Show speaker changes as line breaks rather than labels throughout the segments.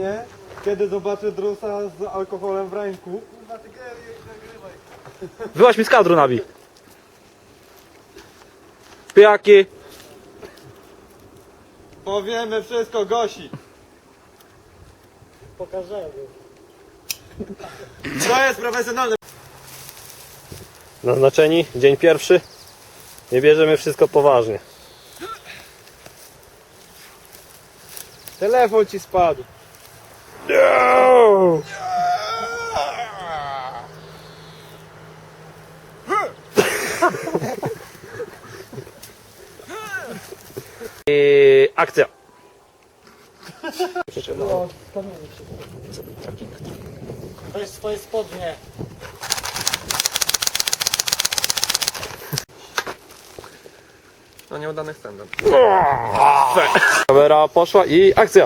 Nie? Kiedy zobaczę drusa z alkoholem w ręku.
Wyłaź mi z kadru, Nabi. Pijaki.
Powiemy wszystko Gosi.
Pokażemy.
To jest profesjonalne.
Naznaczeni, dzień pierwszy. Nie bierzemy wszystko poważnie.
Telefon ci spadł.
No! I akcja.
To jest swoje spodnie.
No nieudany stand-up.
Kamera poszła i akcja.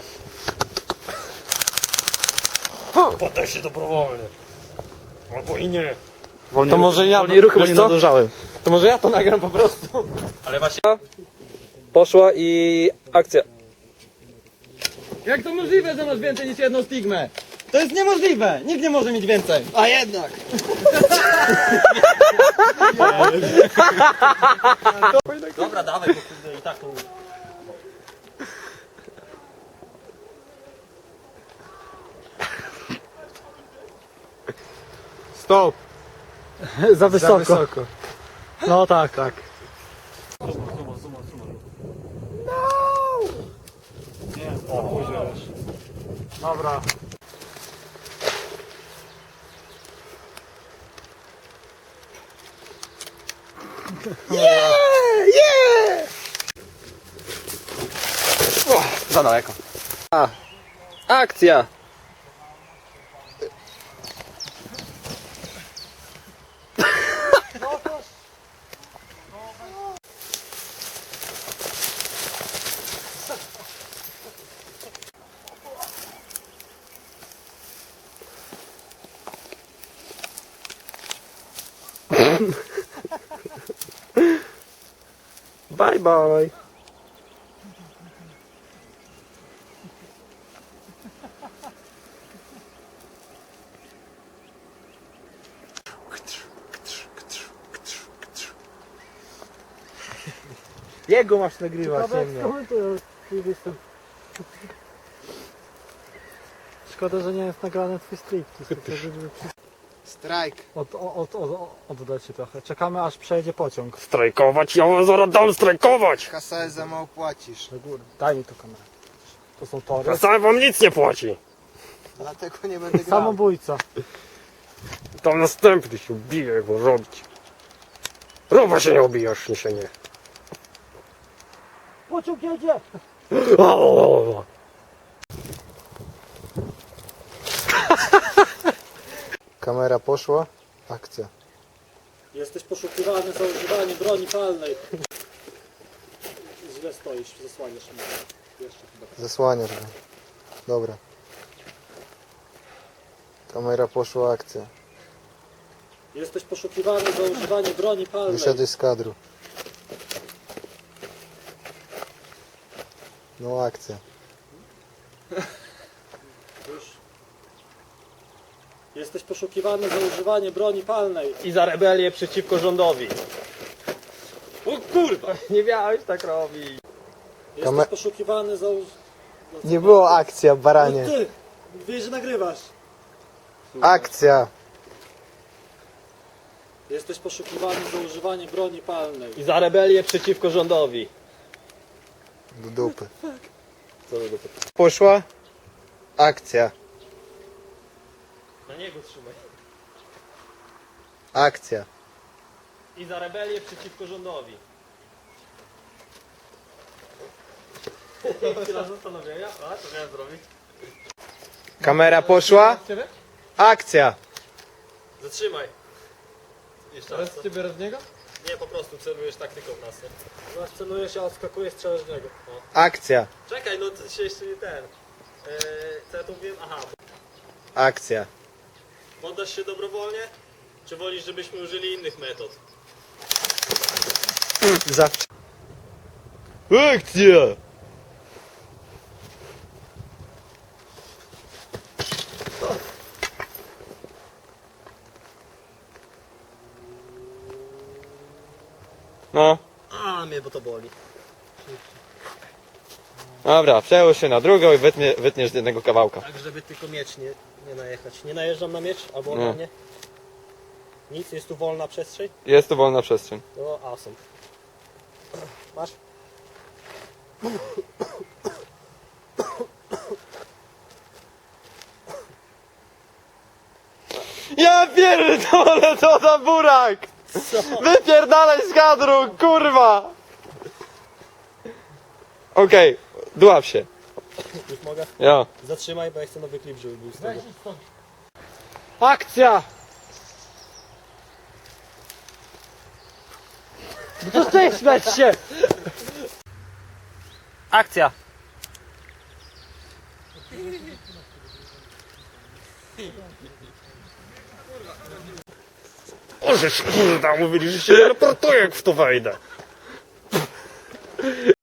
Poddaj się dobrowolnie. Albo i nie.
To może ja,
Wolniej ruchy, bo
wiesz
nie
co?
nadążałem.
To może ja to nagram po prostu.
Ale właśnie. Poszła i akcja.
Jak to możliwe, że masz więcej niż jedną stigmę? To jest niemożliwe! Nikt nie może mieć więcej! A jednak!
Dobra, dawaj, bo kurde i tak to...
Stop!
Za wysoko. No tak, tak. Dobra.
Za daleko.
Akcja. Bye bye.
Jego masz nagrywać, nie mnie.
Szkoda, że nie jest nagrany twój strip.
Strajk.
Oddać się trochę. Czekamy aż przejedzie pociąg.
Strajkować, ja zaraz dam strajkować.
KSS za mało płacisz.
Do góry. Daj mi tu kamerę. To są tory.
A sam wam nic nie płaci.
Dlatego nie będę grał.
Samobójca.
Tam następny się ubije, jak go robić. Rowa się nie obijasz, nie się nie.
Pociąg jedzie!
Kamera poszła. Akcja.
Jesteś poszukiwany za używanie broni palnej. Źle stoisz, zasłaniasz mnie. Jeszcze chyba.
Zasłaniasz go. Dobra. Kamera poszła. Akcja.
Jesteś poszukiwany za używanie broni palnej.
Wyszedłeś z kadru. No akcja.
Już. Jesteś poszukiwany za używanie broni palnej.
I za rebelię przeciwko rządowi. O kurwa, nie miałeś tak robić.
Jesteś poszukiwany za
Nie było akcja, baranie.
Ty! Wiesz, że nagrywasz.
Akcja.
Jesteś poszukiwany za używanie broni palnej.
I za rebelię przeciwko rządowi.
Do dupy.
Co do dupy?
Poszła. Akcja.
Na niego trzymaj.
Akcja.
I za rebelię przeciwko rządowi. Chwila zastanowienia. A, co miałem zrobić?
Kamera poszła. Akcja.
Zatrzymaj. Jeszcze raz.
Ciebie raz niego?
Nie, po prostu celujesz taktyką w nas.
Zaraz celujesz, ja odskakuję, strzelasz w niego. O.
Akcja.
Czekaj, no to się jeszcze nie ten. Co ja tu wiem? Aha,
Akcja.
poddasz się dobrowolnie? Czy wolisz, żebyśmy użyli innych metod?
Zawsze.
Akcja!
No.
A, mnie bo to boli.
Dobra, przełóż się na drugą i wytniesz z jednego kawałka.
Tak, żeby tylko miecz nie najechać. Nie najeżdżam na miecz albo on
Nie.
na mnie? Nic, jest tu wolna przestrzeń?
Jest tu wolna przestrzeń.
No, awesome. Masz?
Ja pierdolę, co za burak!
Co?
Wypierdalaj z kadru, kurwa! Okej, dław się.
Już mogę?
Ja.
Zatrzymaj, bo ja chcę nowy klip, żeby był z tego.
Akcja! No to ty śmiać się!
Akcja!
Ożeż kurda, mówili, że się teleportuję jak w to wejdę.